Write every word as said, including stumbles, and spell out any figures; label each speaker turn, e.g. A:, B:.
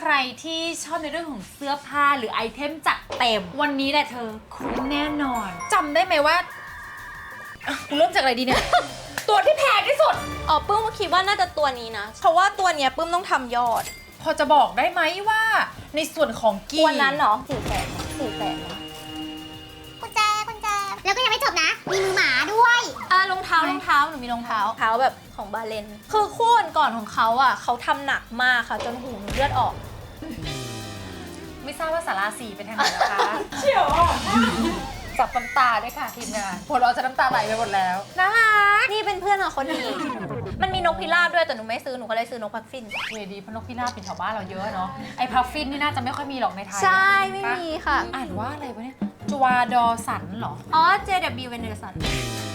A: รที่ชอบในเรื่องของเสื้อผ้าหรือไอเทมจัดเต็มวันนี้แหละเธอคุ้มแน่นอนจำได้ไหมว่าอ่ะกูเริ่มจากอะไรดีเนี่ย ตัวที่แพงที่สุด
B: อ๋อปื้มคิดว่าน่าจะตัวนี้นะ เพราะว่าตัวเนี้ยปื้มต้องทำยอด
A: พอจะบอกได้ไหมว่าในส่วนของกี
B: วันนั้นเหรอสี่แสนสี่แสน
C: กุญแจกุญแจแล้วก็ยังไม่จบนะ มีมือหมาด้วย
B: อ่ารองเท้ารองเท้าหนูมีรองเท้าเท้าแบบของบาเลนคือคู่ก่อนๆของเขาอ่ะเขาทำหนักมากค่ะจนหูหนูเลือดออก
A: ไม่ทราบว่าสาราสีเป็นทางไหนนะคะเฉียวจับน้ำตาด้วยค่ะทีมงานพวกเราจะน้ำตาไหลไปหมดแล้วนะคะ
B: นี่เป็นเพื่อนกับคนนี้ มันมีนกพิราบด้วยแต่หนูไม่ซื้อหนูก็เลยซื้อนกพักฟิน
A: เวดีเพราะนกพิราบเป็นแถวบ้านเราเยอะเนาะไอ้พัฟฟินนี่น่าจะไม่ค่อยมีหรอกในไทย
B: ใช่ไม่มีค่ะ
A: อ่านว่าอะไรวะเนี่ยจวาดอสันเหรอ
B: อ๋อ เจ ดับเบิลยู Venderson